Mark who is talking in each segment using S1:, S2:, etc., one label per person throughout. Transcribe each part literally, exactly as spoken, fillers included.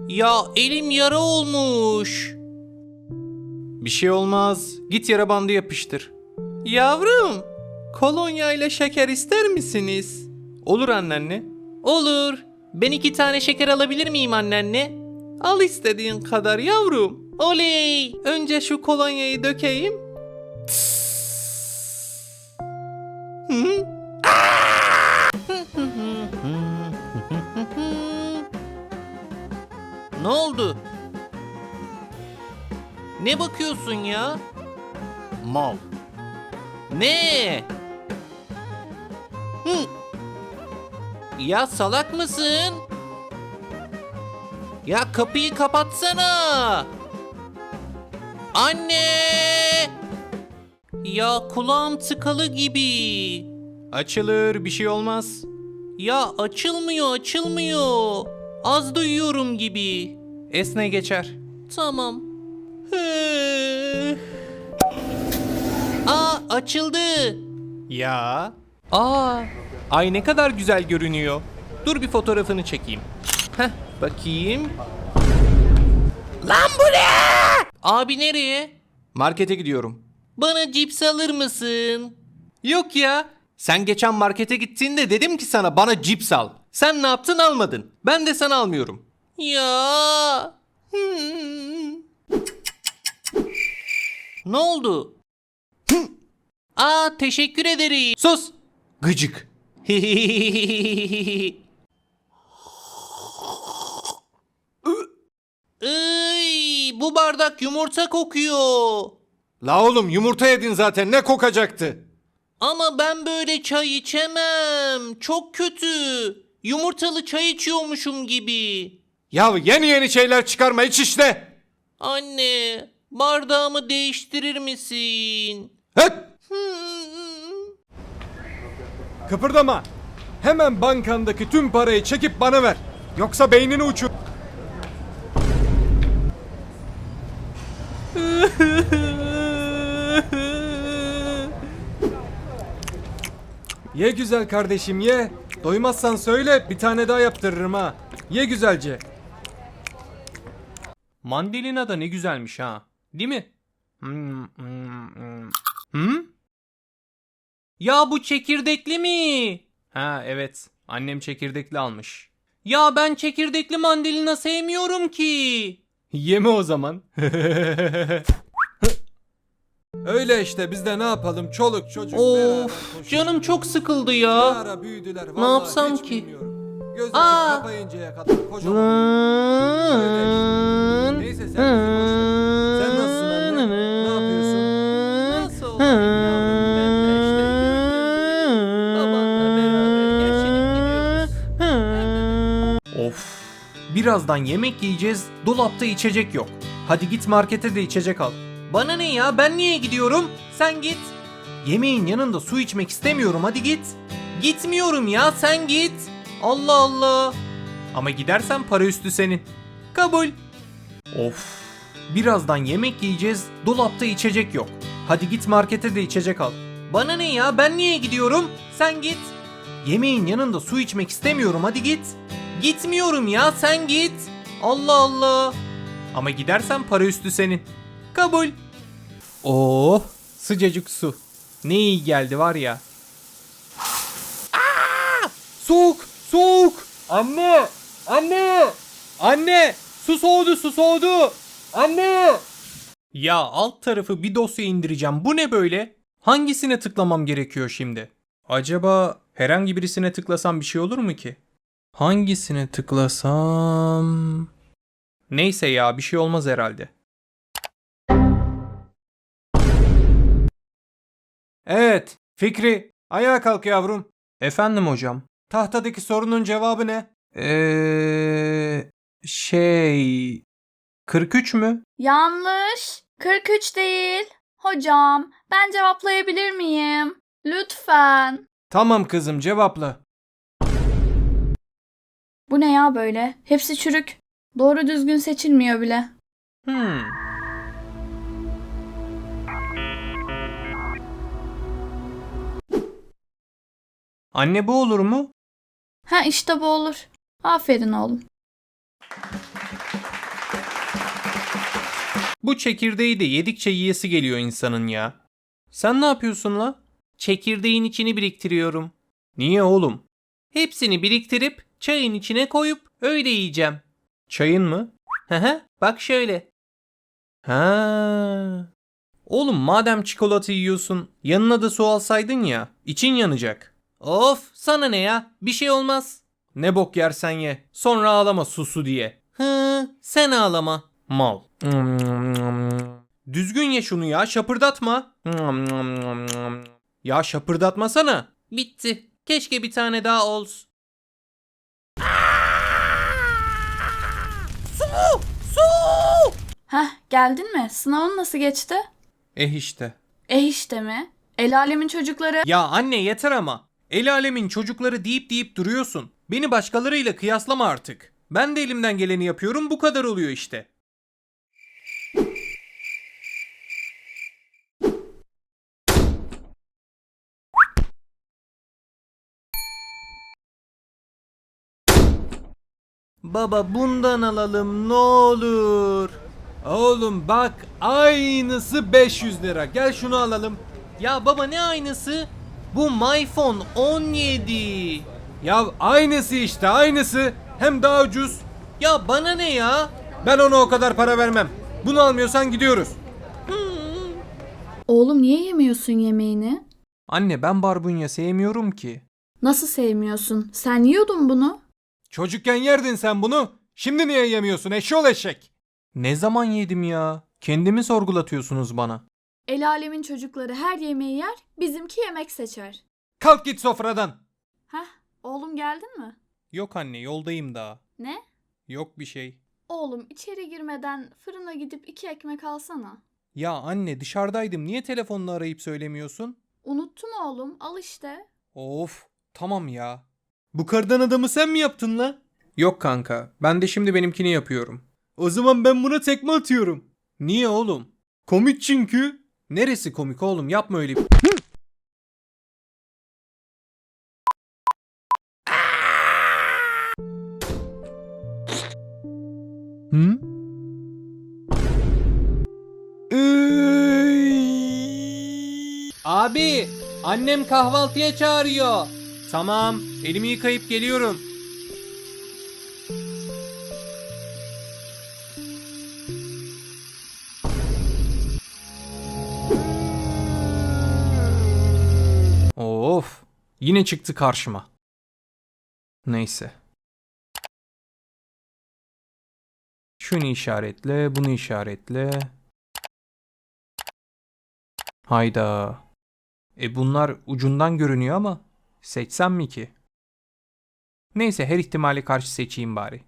S1: Ya elim yara olmuş. Bir şey olmaz. Git yara bandı yapıştır. Yavrum, kolonya ile şeker ister misiniz? Olur anneanne. Olur. Ben iki tane şeker alabilir miyim anneanne? Al istediğin kadar yavrum. Oley! Önce şu kolonyayı dökeyim. Hı? Ne oldu? Ne bakıyorsun ya? Mal. Ne? Hı. Ya salak mısın? Ya kapıyı kapatsana. Anne! Ya kulağım tıkalı gibi. Açılır, bir şey olmaz. Ya açılmıyor, açılmıyor. Az duyuyorum gibi. Esne geçer. Tamam. Aa, açıldı. Ya. Aa, ay ne kadar güzel görünüyor. Dur bir fotoğrafını çekeyim. Heh, bakayım. Lan bu ne? Abi nereye? Markete gidiyorum. Bana cips alır mısın? Yok ya. Sen geçen markete gittiğinde dedim ki sana bana cips al. Sen ne yaptın, almadın. Ben de sana almıyorum. Ya. Hmm. Ne oldu? Aa, teşekkür ederim. Sus. Gıcık. Iy, bu bardak yumurta kokuyor.
S2: La oğlum yumurta yedin zaten, ne kokacaktı?
S1: Ama ben böyle çay içemem. Çok kötü. Yumurtalı çay içiyormuşum gibi.
S2: Ya yeni yeni şeyler çıkarma, iç işte.
S1: Anne, bardağımı değiştirir misin?
S2: Hıt!
S1: Hmm.
S2: Kıpırdama. Hemen bankandaki tüm parayı çekip bana ver. Yoksa beynini uçur. Ye güzel kardeşim ye. Doymazsan söyle, bir tane daha yaptırırım ha. Ye güzelce.
S1: Mandalina da ne güzelmiş ha. Değil mi? Hmm, hmm, hmm. Hmm? Ya bu çekirdekli mi? Ha evet. Annem çekirdekli almış. Ya ben çekirdekli mandalina sevmiyorum ki.
S2: Yeme o zaman. Öyle işte, biz de ne yapalım, çoluk çocuk beraber
S1: Of,
S2: koşuşturuyor.
S1: canım çok sıkıldı
S2: Ne
S1: ya.
S2: ara büyüdüler vallahi,
S1: yapsam
S2: hiç
S1: ki?
S2: bilmiyorum. Göz açıp
S1: Aa!
S2: kapayıncaya kadar kocaman. Öyle işte. Neyse sen bizi boş ver. Sen nasılsın anne? Ne yapıyorsun?
S1: Nasıl olayım yavrum, ben de işte gördüğün gibi babanla beraber geçinip gidiyoruz. Of, birazdan yemek yiyeceğiz, dolapta içecek yok. Hadi git markete de içecek al. Bana ne ya, ben niye gidiyorum? Sen git. Yemeğin yanında su içmek istemiyorum, hadi git. Gitmiyorum ya, sen git. Allah Allah. Ama gidersen para üstü senin. Kabul. Of. Birazdan yemek yiyeceğiz, dolapta içecek yok. Hadi git markete de içecek al. Bana ne ya, ben niye gidiyorum? Sen git. Yemeğin yanında su içmek istemiyorum, hadi git. Gitmiyorum ya, sen git. Allah Allah. Ama gidersen para üstü senin. Kabul. Oh, sıcacık su. Ne iyi geldi var ya. Aa! Soğuk, soğuk. Anne, anne, anne. Su soğudu, su soğudu. Anne. Ya alt tarafı bir dosya indireceğim. Bu ne böyle? Hangisine tıklamam gerekiyor şimdi? Acaba herhangi birisine tıklasam bir şey olur mu ki? Hangisine tıklasam? Neyse ya, bir şey olmaz herhalde.
S2: Evet, Fikri, ayağa kalk yavrum.
S1: Efendim hocam.
S2: Tahtadaki sorunun cevabı ne?
S1: Eee şey kırk üç mü?
S3: Yanlış. kırk üç değil. Hocam, ben cevaplayabilir miyim? Lütfen.
S2: Tamam kızım, cevapla.
S3: Bu ne ya böyle? Hepsi çürük. Doğru düzgün seçilmiyor bile.
S1: Hmm. Anne, bu olur mu?
S3: Ha işte bu olur. Aferin oğlum.
S1: Bu çekirdeği de yedikçe yiyesi geliyor insanın ya. Sen ne yapıyorsun la? Çekirdeğin içini biriktiriyorum. Niye oğlum? Hepsini biriktirip çayın içine koyup öyle yiyeceğim. Çayın mı? Hı hı, bak şöyle. Ha. Oğlum madem çikolata yiyorsun, yanına da su alsaydın ya, için yanacak. Of, sana ne ya? Bir şey olmaz. Ne bok yersen ye. Sonra ağlama susu diye. Hı, sen ağlama. Mal. Düzgün ye şunu ya, şapırdatma. Ya şapırdatmasana. Bitti. Keşke bir tane daha olsun. Su! Su!
S3: Heh, geldin mi? Sınavın nasıl geçti?
S1: Eh işte.
S3: Eh işte mi? El alemin çocukları.
S1: Ya anne yeter ama. El alemin çocukları deyip deyip duruyorsun. Beni başkalarıyla kıyaslama artık. Ben de elimden geleni yapıyorum, bu kadar oluyor işte. Baba bundan alalım ne olur.
S2: Oğlum bak aynısı beş yüz lira. Gel şunu alalım.
S1: Ya baba ne aynısı? Bu MyPhone on yedi.
S2: Ya aynısı işte aynısı. Hem daha ucuz.
S1: Ya bana ne ya?
S2: Ben ona o kadar para vermem. Bunu almıyorsan gidiyoruz.
S3: Oğlum niye yemiyorsun yemeğini?
S1: Anne ben barbunya sevmiyorum ki.
S3: Nasıl sevmiyorsun? Sen yiyordun bunu.
S2: Çocukken yerdin sen bunu. Şimdi niye yemiyorsun eşşoğlu eşek?
S1: Ne zaman yedim ya? Kendimi sorgulatıyorsunuz bana.
S3: El alemin çocukları her yemeği yer, bizimki yemek seçer.
S2: Kalk git sofradan.
S3: Heh, oğlum geldin mi?
S1: Yok anne yoldayım daha.
S3: Ne?
S1: Yok bir şey.
S3: Oğlum içeri girmeden fırına gidip iki ekmek alsana.
S1: Ya anne dışarıdaydım niye telefonla arayıp söylemiyorsun?
S3: Unuttum oğlum, al işte.
S1: Of tamam ya.
S2: Bu kardan adamı sen mi yaptın la?
S1: Yok kanka ben de şimdi benimkini yapıyorum.
S2: O zaman ben buna tekme atıyorum.
S1: Niye oğlum?
S2: Komik çünkü.
S1: Neresi komik oğlum yapma öyle.
S2: Hı?
S1: Abi annem kahvaltıya çağırıyor. Tamam elimi yıkayıp geliyorum. Of yine çıktı karşıma. Neyse. Şunu işaretle, bunu işaretle. Hayda. E bunlar ucundan görünüyor ama seçsem mi ki? Neyse her ihtimale karşı seçeyim bari.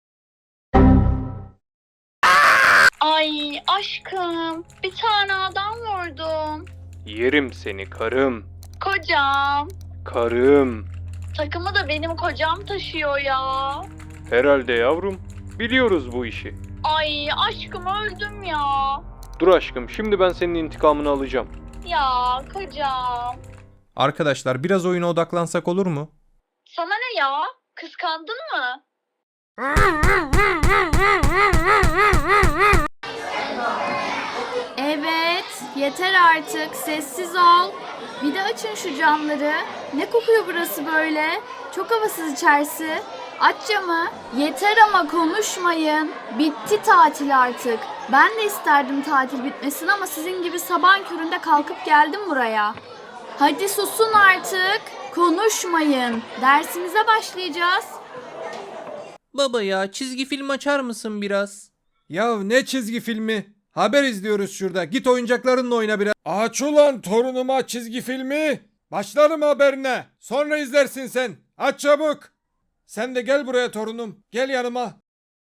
S4: Ay aşkım, bir tane adam vurdum.
S1: Yerim seni karım.
S4: Kocam.
S1: Karım.
S4: Takımı da benim kocam taşıyor ya.
S1: Herhalde yavrum. Biliyoruz bu işi.
S4: Ay aşkım öldüm ya.
S1: Dur aşkım şimdi ben senin intikamını alacağım.
S4: Ya kocam.
S1: Arkadaşlar biraz oyuna odaklansak olur mu?
S4: Sana ne ya? Kıskandın mı?
S3: Evet, yeter artık. Sessiz ol. Bir de açın şu camları. Ne kokuyor burası böyle? Çok havasız içerisi. Aç camı. Yeter ama konuşmayın. Bitti tatil artık. Ben de isterdim tatil bitmesin ama sizin gibi sabahın köründe kalkıp geldim buraya. Hadi susun artık. Konuşmayın. Dersimize başlayacağız.
S1: Baba ya çizgi film açar mısın biraz?
S2: Ya ne çizgi filmi? Haber izliyoruz şurada. Git oyuncaklarınla oyna biraz. Aç ulan torunuma çizgi filmi. Başlarım haberine. Sonra izlersin sen. Aç çabuk. Sen de gel buraya torunum. Gel yanıma.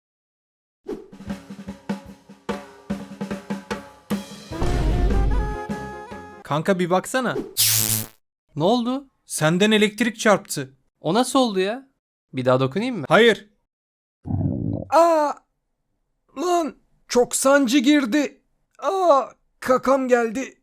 S1: Kanka bir baksana. Ne oldu? Senden elektrik çarptı.
S5: O nasıl oldu ya? Bir daha dokunayım mı?
S2: Hayır. Aa! Lan çok sancı girdi. Aa! Kakam geldi.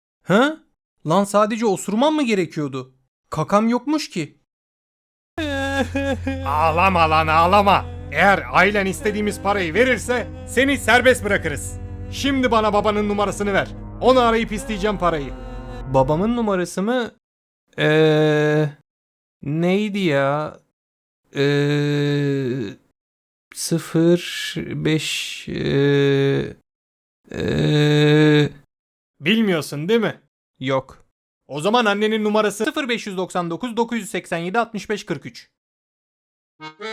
S1: Ha? Lan sadece osurman mı gerekiyordu? Kakam yokmuş ki.
S2: Ağlama lan ağlama. Eğer ailen istediğimiz parayı verirse seni serbest bırakırız. Şimdi bana babanın numarasını ver. Onu arayıp isteyeceğim parayı.
S1: Babamın numarası mı? Eee neydi ya? Eee sıfır beş eee eee
S2: Bilmiyorsun değil mi?
S1: yok.
S2: O zaman annenin numarası
S1: sıfır beş doksan dokuz dokuz yüz seksen yedi altmış beş kırk üç.